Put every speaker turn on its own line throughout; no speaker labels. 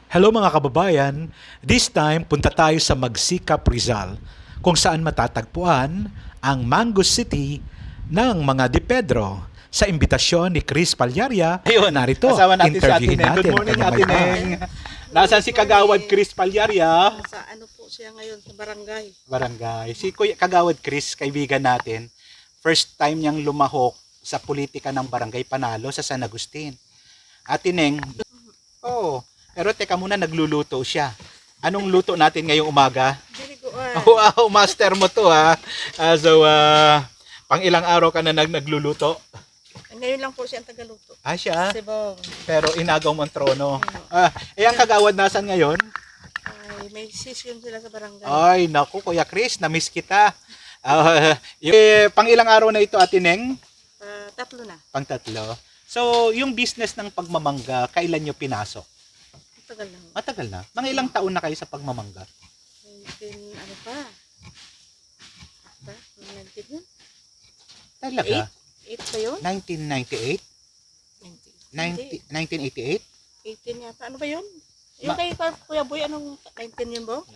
Hello mga kababayan, this time punta tayo sa Magsikap, Rizal, kung saan matatagpuan ang Mango City ng mga Di Pedro. Sa imbitasyon ni Chris Palyaria,
Ayun,
narito,
kasama natin si Ate
interviewin
Neng. Good
natin ang
morning,
kanyang
Ate
may bahay.
Neng. Nasaan si Kagawad Chris Palyaria?
Sa ano po siya ngayon sa barangay.
Barangay. Si Kuya Kagawad Chris, kaibigan natin, first time niyang lumahok sa politika ng barangay Panalo sa San Agustin. Ate Neng, pero teka muna, nagluluto siya. Anong luto natin ngayong umaga?
Diliguan.
Wow, master mo to ha. Pang ilang araw ka na nagluluto?
Ngayon lang po siya ang tagaluto.
Siya?
Sibong.
Pero inagaw mo ang trono. Ang Kagawad nasan ngayon?
Ay, may session sila sa barangay.
Ay, naku, Kuya Chris, na-miss kita. Pang ilang araw na ito, Ate Neng?
Tatlo na.
Pang tatlo. So, yung business ng pagmamangga, kailan nyo pinasok?
Tagal lang.
Matagal na. Mga ilang taon na kayo sa pagmamangga?
19, ano pa? Ba? 19 yun?
Talaga?
8 ba yun?
1998?
19.
1988?
18 yata. Ano ba yun? Yung kay Kuya Boy, anong 19 yun ba?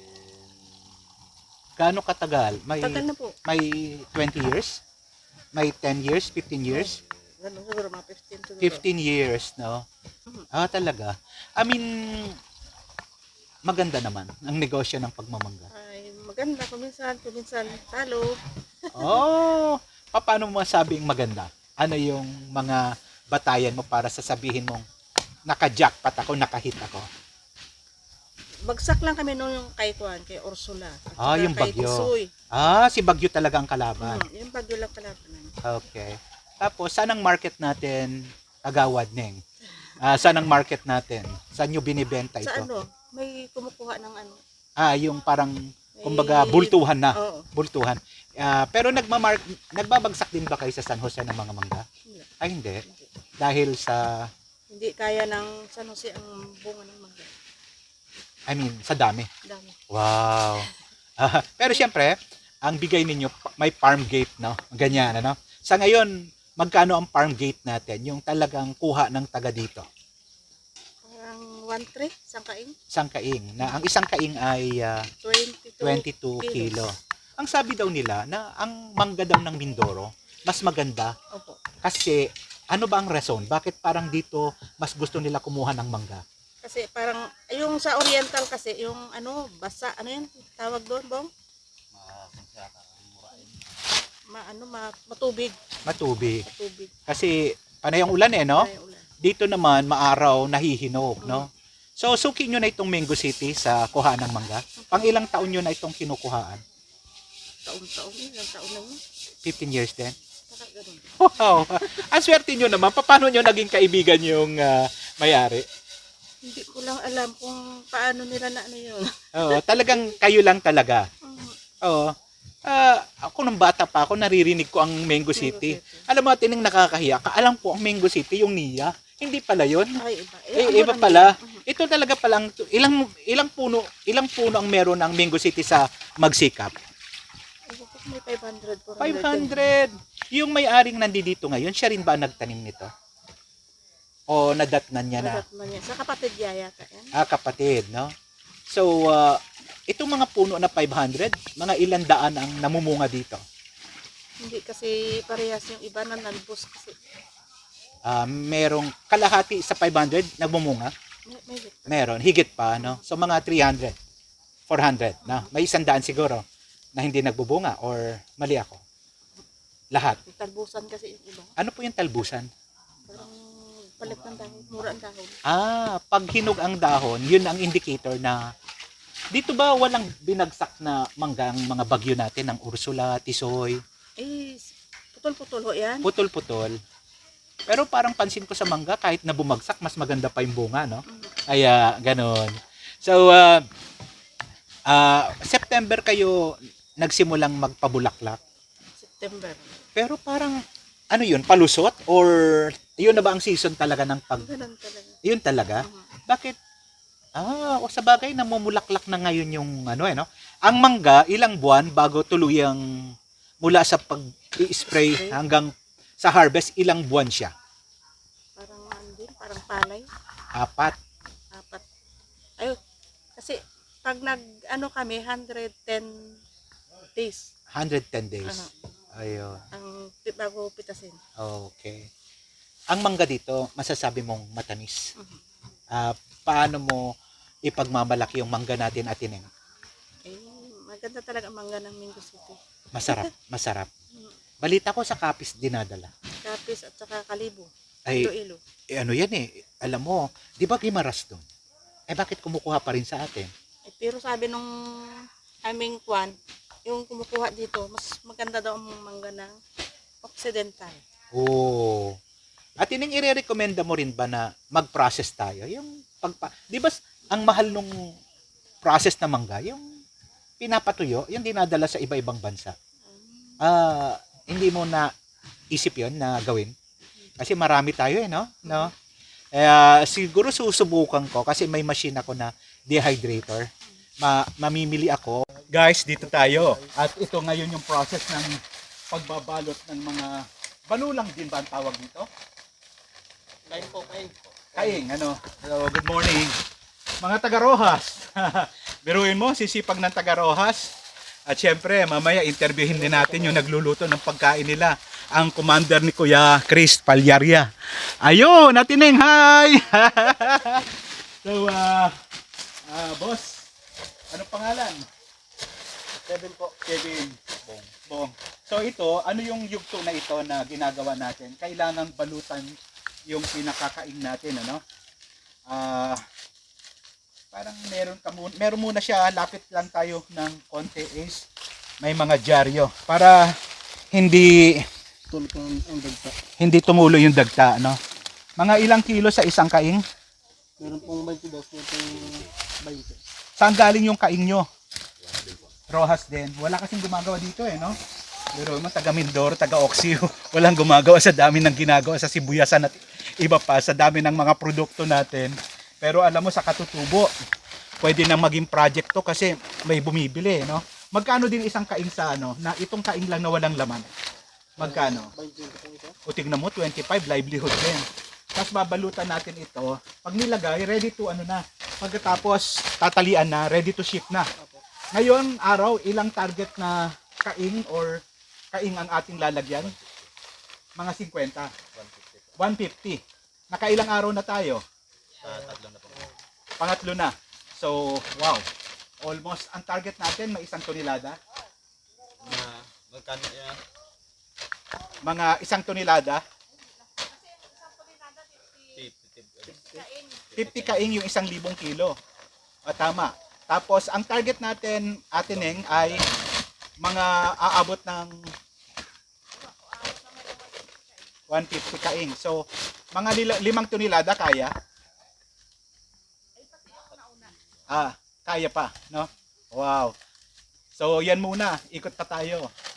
Gaano katagal?
Tagal na po.
May 20 years? May 10 years? 15 years?
Ganun siguro, mga 15 siguro.
15 years, no? Talaga. I mean, maganda naman ang negosyo ng pagmamangga.
Ay, maganda. Kuminsan talo.
Paano mo masabing maganda? Ano yung mga batayan mo para sasabihin mong naka-jackpot ako, naka-hit ako?
Bagsak lang kami noon yung kay Ursula. At
Yung
kay
Bagyo.
Tisoy.
Si Bagyo talaga ang kalaban.
Yung Bagyo lang kalaban.
Okay. Tapos, saan ang market natin, Kagawad Neng? Saan ang market natin? Saan nyo binibenta ito?
Sa ano, may kumukuha ng ano.
Yung parang, kumbaga, bultuhan na.
Oo.
Bultuhan. Pero nagbabagsak din ba kayo sa San Jose ng mga mangga?
Hindi.
Ay, hindi. Dahil sa,
Hindi kaya ng San Jose ang bunga ng mangga.
I mean, sa dami.
Dami.
Wow. Pero siyempre, ang bigay ninyo, may farm gate, no? Ganyan, ano? Sa ngayon, magkano ang farm gate natin? Yung talagang kuha ng taga dito.
Parang 1-3, sangkaing.
Isang kaing. Na ang isang kaing ay 22 kilo. Ang sabi daw nila na ang mangga daw ng Mindoro, mas maganda
Opo.
kasi ano ba ang rason? Bakit parang dito mas gusto nila kumuha ng mangga?
Kasi parang, yung sa Oriental kasi, yung ano, basa, ano yan, tawag doon, Bong? Matubig.
Matubig.
Matubig.
Kasi panay ang ulan no?
Ay, ulan.
Dito naman maaraw, nahihinog, no? So suki nyo na itong Mango City sa kuhaan ng mangga. Pang ilang taon nyo na itong kinukuhaan?
Taon-taon, ilang taon na yun.
15 years din?
Saka ganun.
Wow! Ang swerte nyo naman. Paano nyo naging kaibigan yung may-ari?
Hindi ko lang alam kung paano nila na ano yun.
Talagang kayo lang talaga.
Mhm.
Oo. Ako nung bata pa ako, naririnig ko ang Mango City.
City.
Alam mo, tining nakakahiya. Alam ko ang Mango City, yung NIA. Hindi pala yun.
Ay, iba.
Iba
ano
pala.
naman? Mhm.
Ito talaga palang, ilang puno ang meron ng Mango City sa Magsikap?
May 500,
500. Yung may-aring nandito ngayon, siya rin ba ang nagtanim nito? O nadatnan niya na?
Nadatnan niya. Sa kapatid niya yata yan.
Kapatid, no? So, itong mga puno na 500, mga ilang daan ang namumunga dito?
Hindi kasi parehas yung iba na nalbos kasi.
Merong kalahati sa 500 nagmumunga?
May
Meron, higit pa, no? So, mga 300, 400, no? May 100 siguro na hindi nagbubunga or mali ako? Lahat.
may talbusan kasi yung iba.
Ano po yung talbusan?
Parang palit ng dahon. Mura ang dahon.
Pag hinog ang dahon, yun ang indicator na dito ba walang binagsak na mangga ang mga bagyo natin ng Ursula, Tisoy,
Putol-putol ho yan.
putol-putol. Pero parang pansin ko sa mangga, kahit na bumagsak, mas maganda pa yung bunga, no?
Mhm.
Kaya, ganon. So, September kayo nagsimulang magpabulaklak.
September.
Pero parang, ano yun, palusot? Or, yun na ba ang season talaga ng
Ganun talaga.
Yun talaga?
Mhm.
Bakit? O sa bagay, namumulaklak na ngayon yung ano no? Ang mangga, ilang buwan bago tuluyang mula sa pag-i-spray hanggang sa harvest, ilang buwan siya?
Parang ano din, parang palay.
4.
4. Kasi pag ano kami, 110 days
110 days. Ayun.
ang bago pitasin.
Okay. Ang mangga dito, masasabi mong matamis.
Mhm.
Paano mo ipagmamalaki yung mangga natin, Ate Neng?
Eh, maganda talaga ang mangga ng Mingo City.
Masarap, masarap.
Mm.
Balita ko sa Capiz dinadala.
Kapis at saka Kalibo.
Ay,
Iloilo.
ano yan eh, alam mo, di ba Gimaras doon? Bakit kumukuha pa rin sa atin?
Pero sabi nung aming kwan, yung kumukuha dito, mas maganda daw ang mangga ng Occidental.
Oo. At ining ire-recommenda mo rin ba na mag-process tayo? Yung di ba ang mahal nung process na mangga, yung pinapatuyo, yung dinadala sa iba-ibang bansa. Hindi mo na isip yon na gawin? Kasi marami tayo no? Siguro susubukan ko kasi may machine ako na dehydrator. Mamimili ako. Guys, dito tayo. At ito ngayon yung process ng pagbabalot ng mga balulang din ba ang tawag dito?
Kain po.
Kaing, ano? Hello, good morning. Mga taga-Rojas. Biruin mo, sisipag ng taga-Rojas. At syempre, mamaya interviewin din natin yung nagluluto ng pagkain nila. Ang commander ni Kuya Chris Palyaria. Ayun, Ate Neng, hi! So, boss, anong pangalan?
Kevin po.
Kevin. Bong. So ito, ano yung yugto na ito na ginagawa natin? Kailangang balutan yung pinakakain natin, ano? Parang meron muna siya, lapit lang tayo ng konti is may mga dyaryo para hindi tumulo yung dagta, no? Mga ilang kilo sa isang kaing?
Meron pong 22, meron pong 20.
Saan galing yung kaing nyo? Rojas din. Wala kasing gumagawa dito no? Pero taga Mindoro, taga Oxio, walang gumagawa sa dami ng ginagawa sa sibuyasan at iba pa sa dami ng mga produkto natin. Pero alam mo sa katutubo, pwede nang maging project to kasi may bumibili, no? Magkano din isang kaing sa na itong kaing lang na walang laman? Magkano?
20
O tignan mo, 25 livelihood din. Tapos babalutan natin ito. Pag nilagay, ready to na. Pagkatapos tatalian na, ready to ship na. Ngayon, araw, ilang target na kaing or kaing ang ating lalagyan? Mga 50. 150. Nakailang araw na tayo?
Tatlo na po.
Pangatlo na. So, wow. Almost, ang target natin, may 1 tonelada.
Magkano yan?
Mga 1 tonelada. 50 kaing yung 1,000 kilo. Tama. Tapos, ang target natin, Ate Neng, ay mga aabot ng 150 kaing. So, mga 5 tonelada kaya? Kaya pa, no? Wow. So, yan muna. Ikot pa tayo.